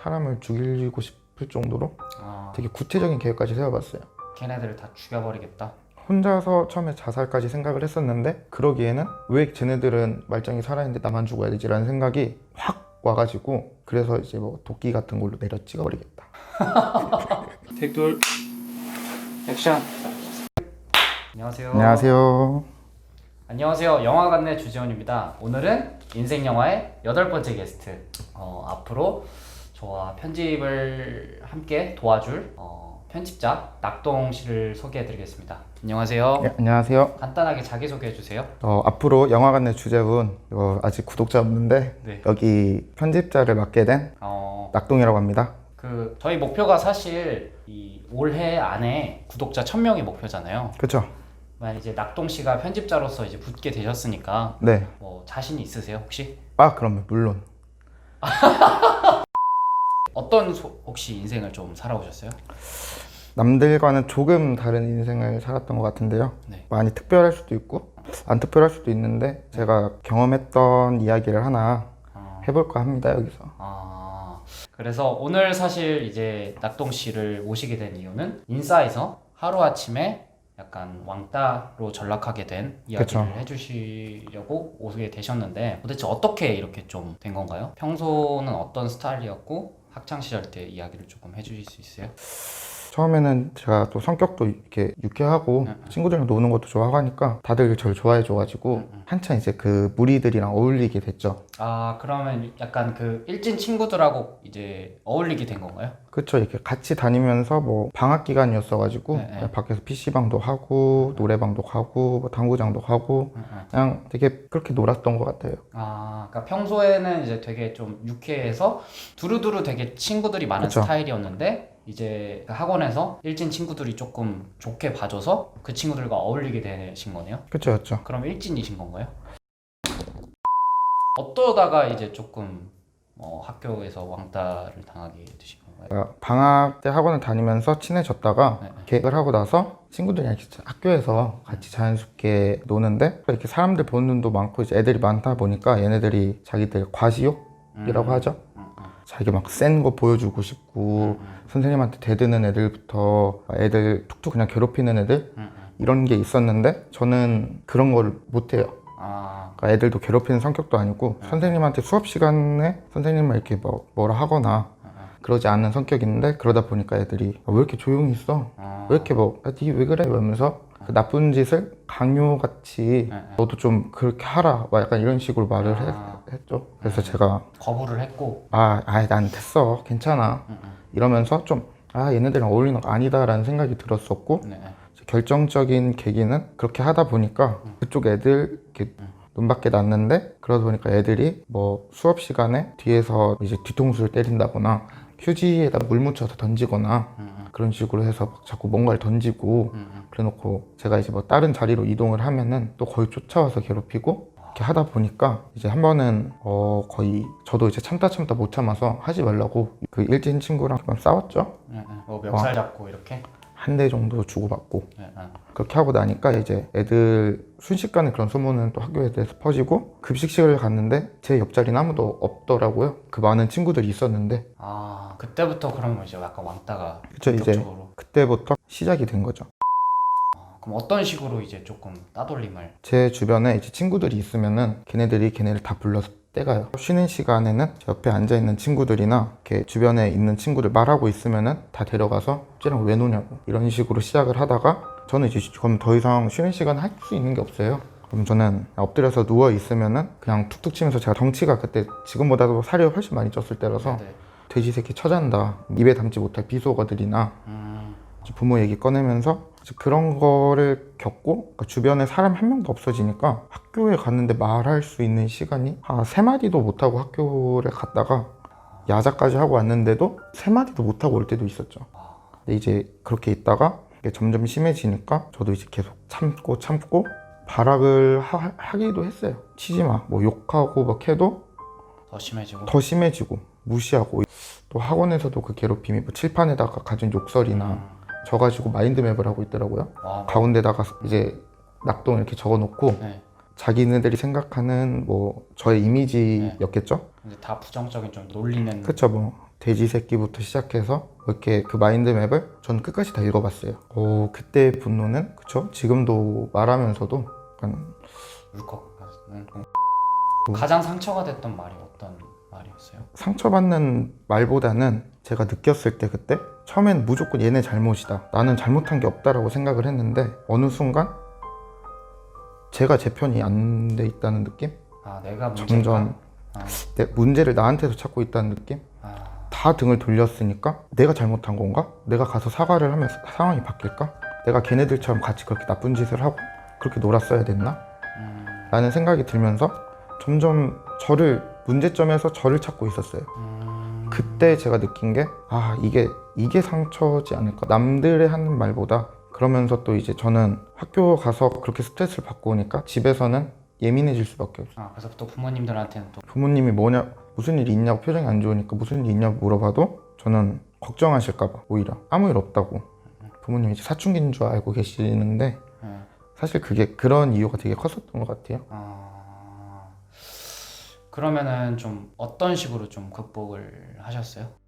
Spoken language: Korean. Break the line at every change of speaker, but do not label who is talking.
사람을 죽이고 싶을 정도로
아,
되게 구체적인 계획까지 세워봤어요.
걔네들을 다 죽여버리겠다.
혼자서 처음에 자살까지 생각을 했었는데 그러기에는 왜 쟤네들은 말짱이 살아있는데 나만 죽어야 되지? 라는 생각이 확 와가지고 그래서 이제 뭐 도끼 같은 걸로 내려 찍어버리겠다.
택돌 액션. 안녕하세요.
안녕하세요.
안녕하세요. 영화관내 주재원입니다. 오늘은 인생 영화의 8번째 게스트. 앞으로 저와 편집을 함께 도와줄 편집자 낙동 씨를 소개해드리겠습니다. 안녕하세요.
네, 안녕하세요.
간단하게 자기소개해 주세요.
앞으로 영화관 내 주재훈, 아직 구독자 없는데
네.
여기 편집자를 맡게 된 낙동이라고 합니다.
저희 목표가 사실 이 올해 안에 구독자 1000명이 목표잖아요.
그렇죠?
만약 이제 낙동 씨가 편집자로서 이제 붙게 되셨으니까
네.
뭐 자신이 있으세요 혹시?
그럼요. 물론.
어떤 혹시 인생을 좀 살아오셨어요?
남들과는 조금 다른 인생을 살았던 것 같은데요.
네.
많이 특별할 수도 있고 안 특별할 수도 있는데 제가 경험했던 이야기를 하나 해볼까 합니다. 여기서.
그래서 오늘 사실 이제 낙동 씨를 모시게 된 이유는 인싸에서 하루아침에 약간 왕따로 전락하게 된 이야기를
그쵸.
해주시려고 오게 되셨는데 도대체 어떻게 이렇게 좀 된 건가요? 평소는 어떤 스타일이었고 학창시절 때 이야기를 조금 해주실 수 있어요?
처음에는 제가 또 성격도 이렇게 유쾌하고 친구들이랑 노는 것도 좋아하고 하니까 다들 저를 좋아해줘가지고 한참 이제 그 무리들이랑 어울리게 됐죠.
그러면 약간 그 일진 친구들하고 이제 어울리게 된 건가요?
그쵸. 이렇게 같이 다니면서 뭐 방학 기간이었어가지고
네.
밖에서 PC방도 하고 노래방도 가고 뭐 당구장도 가고 그냥 되게 그렇게 놀았던 것 같아요.
그러니까 평소에는 이제 되게 좀 유쾌해서 두루두루 되게 친구들이 많은
그쵸.
스타일이었는데 이제 그 학원에서 일진 친구들이 조금 좋게 봐줘서 그 친구들과 어울리게 되신 거네요?
그쵸.
그럼 일진이신 건가요? 어떠다가 이제 조금 학교에서 왕따를 당하게 되신 건가요?
방학 때 학원을 다니면서 친해졌다가
네.
계획을 하고 나서 친구들이랑 이렇게 학교에서 같이 자연스럽게 노는데 이렇게 사람들 보는 눈도 많고 이제 애들이 많다 보니까 얘네들이 자기들 과시욕이라고 하죠. 자기 막 센 거 보여주고 싶고 선생님한테 대드는 애들부터 애들 툭툭 그냥 괴롭히는 애들 이런 게 있었는데 저는 그런 걸 못해요. 그러니까 애들도 괴롭히는 성격도 아니고 선생님한테 수업 시간에 선생님을 이렇게 뭐라 하거나 그러지 않는 성격인데 그러다 보니까 애들이 왜 이렇게 조용히 있어? 왜 이렇게 니 왜 그래? 이러면서 그 나쁜 짓을 강요같이 너도 좀 그렇게 하라 막 약간 이런 식으로 말을 했죠. 그래서 제가
거부를 했고
난 됐어 괜찮아 이러면서 좀 얘네들이랑 어울리는 거 아니다 라는 생각이 들었었고
네.
결정적인 계기는 그렇게 하다 보니까 그쪽 애들 이렇게 눈밖에 났는데 그러다 보니까 애들이 뭐 수업 시간에 뒤에서 이제 뒤통수를 때린다거나 휴지에다 물 묻혀서 던지거나 그런 식으로 해서 막 자꾸 뭔가를 던지고 그래놓고 제가 이제 뭐 다른 자리로 이동을 하면은 또 거의 쫓아와서 괴롭히고 이렇게 하다 보니까 이제 한 번은 거의 저도 이제 참다 못 참아서 하지 말라고 그 일진 친구랑 한번 싸웠죠.
멱살 잡고 이렇게?
한 대 정도 주고받고
네.
그렇게 하고 나니까 이제 애들 순식간에 그런 소문은 또 학교에 대해서 퍼지고 급식실을 갔는데 제 옆자리는 아무도 없더라고요. 그 많은 친구들이 있었는데
그때부터 그러면 이제 약간 왕따가
그쵸, 이제
본격적으로.
그때부터 시작이 된 거죠.
그럼 어떤 식으로 이제 조금 따돌림을?
제 주변에 이제 친구들이 있으면은 걔네들이 걔네를 다 불러서 떼가요. 쉬는 시간에는 제 옆에 앉아있는 친구들이나 이렇게 주변에 있는 친구들 말하고 있으면은 다 데려가서 쟤랑 왜 노냐고 이런 식으로 시작을 하다가 저는 이제 그럼 더 이상 쉬는 시간 할 수 있는 게 없어요. 그럼 저는 엎드려서 누워 있으면은 그냥 툭툭 치면서 제가 덩치가 그때 지금보다도 살이 훨씬 많이 쪘을 때라서
네.
돼지 새끼 쳐잔다 입에 담지 못할 비속어들이나 부모 얘기 꺼내면서 그런 거를 겪고 그러니까 주변에 사람 한 명도 없어지니까 학교에 갔는데 말할 수 있는 시간이 한 3마디도 못하고 학교를 갔다가 야자까지 하고 왔는데도 3마디도 못하고 올 때도 있었죠. 근데 이제 그렇게 있다가 이게 점점 심해지니까 저도 이제 계속 참고 발악을 하기도 했어요. 치지 마, 뭐 욕하고 막 해도
더
심해지고 무시하고 또 학원에서도 그 괴롭힘이 뭐 칠판에다가 가진 욕설이나 저 가지고 마인드맵을 하고 있더라고요. 가운데다가 이제 낙동 이렇게 적어놓고 자기네들이 생각하는 뭐 저의 이미지였겠죠.
근데 다 부정적인 좀 놀리는.
그쵸. 뭐 돼지 새끼부터 시작해서 이렇게 그 마인드맵을 전 끝까지 다 읽어봤어요. 그때 분노는 그쵸? 지금도 말하면서도 약간
울컥하는 가장 상처가 됐던 말이 어떤 말이었어요?
상처받는 말보다는 제가 느꼈을 때 그때 처음엔 무조건 얘네 잘못이다, 나는 잘못한 게 없다라고 생각을 했는데 어느 순간 제가 제 편이 안 돼 있다는 느낌?
아, 내가 문제인가?
점점
아,
내 문제를 나한테서 찾고 있다는 느낌?
아,
다 등을 돌렸으니까 내가 잘못한 건가? 내가 가서 사과를 하면 상황이 바뀔까? 내가 걔네들처럼 같이 그렇게 나쁜 짓을 하고 그렇게 놀았어야 됐나? 라는 생각이 들면서 점점 문제점에서 저를 찾고 있었어요. 그때 제가 느낀 게 이게 상처지 않을까? 남들의 하는 말보다. 그러면서 또 이제 저는 학교 가서 그렇게 스트레스를 받고 오니까 집에서는 예민해질 수밖에 없어요.
그래서 또 부모님들한테는 또
부모님이 무슨 일이 있냐고, 표정이 안 좋으니까 무슨 일이 있냐고 물어봐도 저는 걱정하실까봐 오히려 아무 일 없다고, 부모님이 이제 사춘기인 줄 알고 계시는데 사실 그런 이유가 되게 컸었던 것 같아요.
그러면은 좀 어떤 식으로 좀 극복을 하셨어요?